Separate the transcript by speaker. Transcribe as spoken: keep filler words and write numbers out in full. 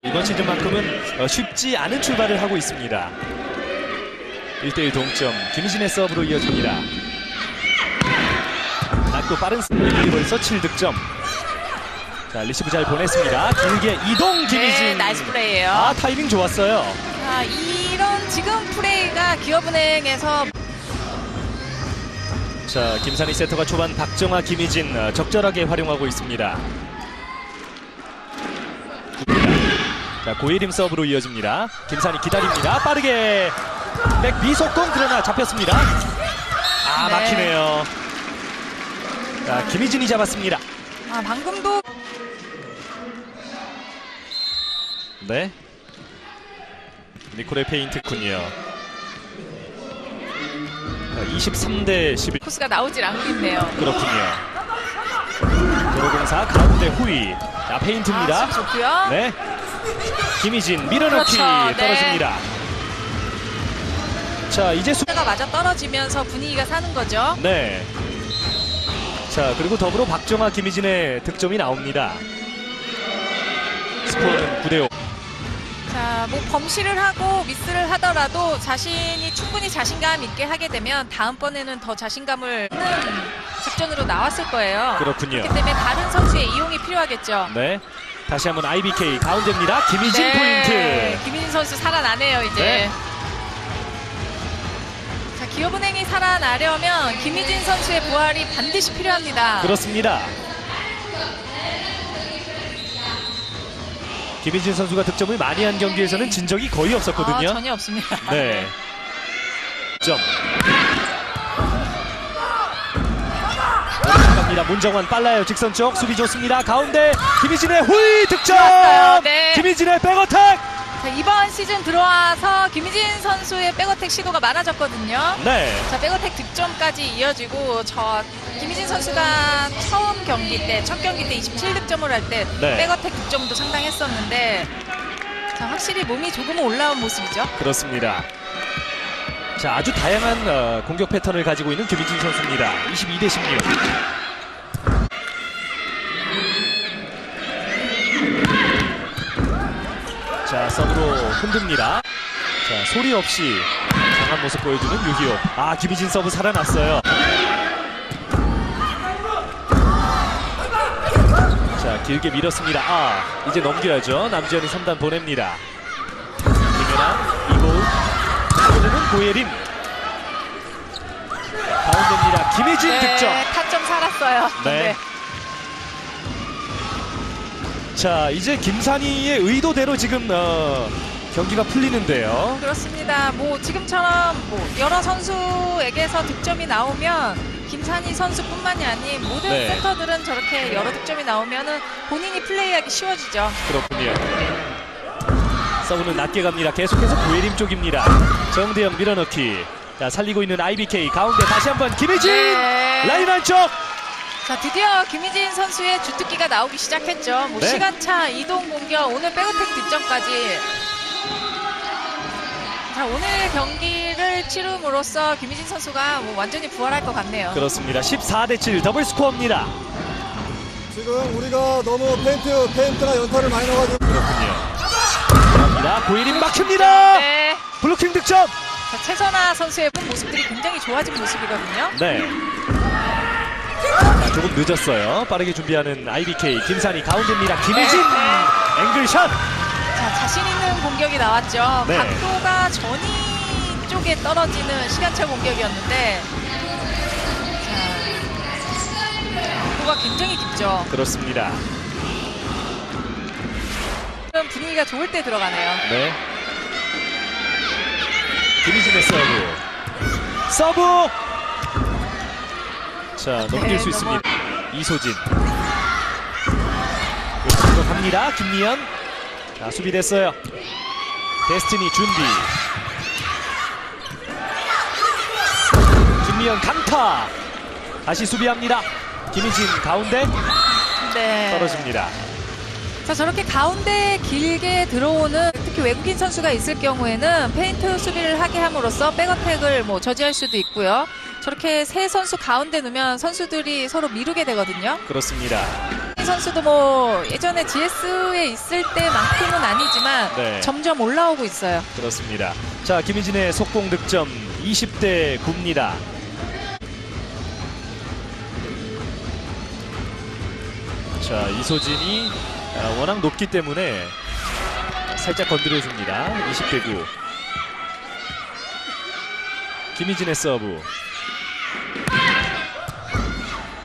Speaker 1: 이번 시즌만큼은 쉽지 않은 출발을 하고 있습니다. 일 대 일 동점, 김희진의 서브로 이어집니다. 낮고 빠른 스피드 벌써 칠 득점. 자, 리시브 잘 보냈습니다. 길게 이동 김희진.
Speaker 2: 네, 나이스 플레이예요.
Speaker 1: 아, 타이밍 좋았어요.
Speaker 2: 아, 이런 지금 플레이가 기업은행에서
Speaker 1: 자, 김산희 세터가 초반 박정아, 김희진 어, 적절하게 활용하고 있습니다. 자, 고예림 서브로 이어집니다. 김산희 기다립니다. 빠르게 백 비속공, 그러나 잡혔습니다. 아,
Speaker 2: 네.
Speaker 1: 막히네요. 자, 김희진이 잡았습니다.
Speaker 2: 아, 방금도
Speaker 1: 네, 니콜의 페인트군요. 이십삼 대 십일.
Speaker 2: 코스가 나오질 않고 있네요.
Speaker 1: 그렇군요. 도로공사 가운데 후위. 자, 페인트입니다.
Speaker 2: 아, 좋고요.
Speaker 1: 네, 김희진 밀어넣기.
Speaker 2: 그렇죠, 네.
Speaker 1: 떨어집니다. 자, 이제 수...
Speaker 2: 가 맞아 떨어지면서 분위기가 사는 거죠.
Speaker 1: 네. 자, 그리고 더불어 박정아, 김희진의 득점이 나옵니다. 스코어는 구 대 오.
Speaker 2: 자, 뭐 범실을 하고 미스를 하더라도 자신이 충분히 자신감 있게 하게 되면 다음번에는 더 자신감을 있는 작전으로 나왔을 거예요.
Speaker 1: 그렇군요.
Speaker 2: 그렇기 때문에 다른 선수의 이용이 필요하겠죠.
Speaker 1: 네. 다시 한번 아이비케이 가운데입니다. 김희진
Speaker 2: 네,
Speaker 1: 포인트.
Speaker 2: 김희진 선수 살아나네요, 이제.
Speaker 1: 네.
Speaker 2: 자, 기업은행이 살아나려면 김희진 선수의 부활이 반드시 필요합니다.
Speaker 1: 그렇습니다. 김희진 선수가 득점을 많이 한 경기에서는 진 적이 거의 없었거든요.
Speaker 2: 아, 전혀 없습니다.
Speaker 1: 네. 점. 갑니다. 문정원 빨라요. 직선 쪽 수비 좋습니다. 가운데 김희진의 후위 득점.
Speaker 2: 좋았어요. 네.
Speaker 1: 김희진의 백어택.
Speaker 2: 자, 이번 시즌 들어와서 김희진 선수의 백어택 시도가 많아졌거든요.
Speaker 1: 네.
Speaker 2: 자, 백어택 득점까지 이어지고 저 김희진 선수가 처음 경기 때, 첫 경기 때 이십칠 득점을 할 때
Speaker 1: 네.
Speaker 2: 백어택 득점도 상당했었는데 자, 확실히 몸이 조금은 올라온 모습이죠.
Speaker 1: 그렇습니다. 자, 아주 다양한 어, 공격 패턴을 가지고 있는 김희진 선수입니다. 이십이 대 십육. 자, 서브로 흔듭니다. 자, 소리 없이 강한 모습 보여주는 유희옥. 아, 김희진 서브 살아났어요. 자, 길게 밀었습니다. 아, 이제 넘겨야죠. 남지현이 삼 단 보냅니다. 김연아, 이고은, 이고은은 고예림. 가운데입니다. 김희진
Speaker 2: 네,
Speaker 1: 득점.
Speaker 2: 타점 살았어요.
Speaker 1: 네. 자, 이제 김산희의 의도대로 지금 어, 경기가 풀리는데요.
Speaker 2: 그렇습니다. 뭐 지금처럼 뭐 여러 선수에게서 득점이 나오면 김산희 선수뿐만이 아닌 모든
Speaker 1: 네.
Speaker 2: 센터들은 저렇게 여러 득점이 나오면은 본인이 플레이하기 쉬워지죠.
Speaker 1: 그렇군요. 서브는 낮게 갑니다. 계속해서 고예림 쪽입니다. 정대영 밀어넣기. 자, 살리고 있는 아이비케이 가운데 다시 한번 김희진.
Speaker 2: 네.
Speaker 1: 라인 안쪽.
Speaker 2: 자, 드디어 김희진 선수의 주특기가 나오기 시작했죠. 뭐
Speaker 1: 네.
Speaker 2: 시간차, 이동 공격, 오늘 백어택 득점까지. 자, 오늘 경기를 치rum으로써 김희진 선수가 뭐 완전히 부활할 것 같네요.
Speaker 1: 그렇습니다. 십사 대 칠 더블 스코어입니다.
Speaker 3: 지금 우리가 너무 페인트, 페인트나 연타를 많이 넣어가지고.
Speaker 1: 그렇군요. 갑니다. 고예림 막힙니다.
Speaker 2: 네.
Speaker 1: 블로킹 득점.
Speaker 2: 자, 최선아 선수의 모습들이 굉장히 좋아진 모습이거든요.
Speaker 1: 네. 자, 조금 늦었어요. 빠르게 준비하는 아이비케이 김산희 가운데입니다. 김희진
Speaker 2: 네.
Speaker 1: 앵글샷.
Speaker 2: 자, 자신 있는 공격이 나왔죠.
Speaker 1: 네.
Speaker 2: 각도가 전위 쪽에 떨어지는 시간차 공격이었는데 자, 각도가 굉장히 깊죠.
Speaker 1: 그렇습니다.
Speaker 2: 지금 분위기가 좋을 때 들어가네요.
Speaker 1: 네. 김희진의 서브. 서브. 자, 넘길
Speaker 2: 네,
Speaker 1: 수
Speaker 2: 넘어.
Speaker 1: 있습니다. 이소진. 왼쪽으로 갑니다. 김미연. 자, 수비됐어요. 데스티니 준비. 김미연 강타. 다시 수비합니다. 김희진 가운데
Speaker 2: 네.
Speaker 1: 떨어집니다.
Speaker 2: 자, 저렇게 가운데 길게 들어오는 특히 외국인 선수가 있을 경우에는 페인트 수비를 하게 함으로써 백어택을 뭐 저지할 수도 있고요. 저렇게 세 선수 가운데 놓으면 선수들이 서로 미루게 되거든요.
Speaker 1: 그렇습니다.
Speaker 2: 이 선수도 뭐 예전에 지에스에 있을 때만큼은 아니지만 차가
Speaker 1: 네.
Speaker 2: 점점 올라오고 있어요.
Speaker 1: 그렇습니다. 자, 김희진의 속공 득점 이십 대 구입니다. 자, 이소진이 아, 워낙 높기 때문에 살짝 건드려줍니다. 이십 대 구. 김희진의 서브.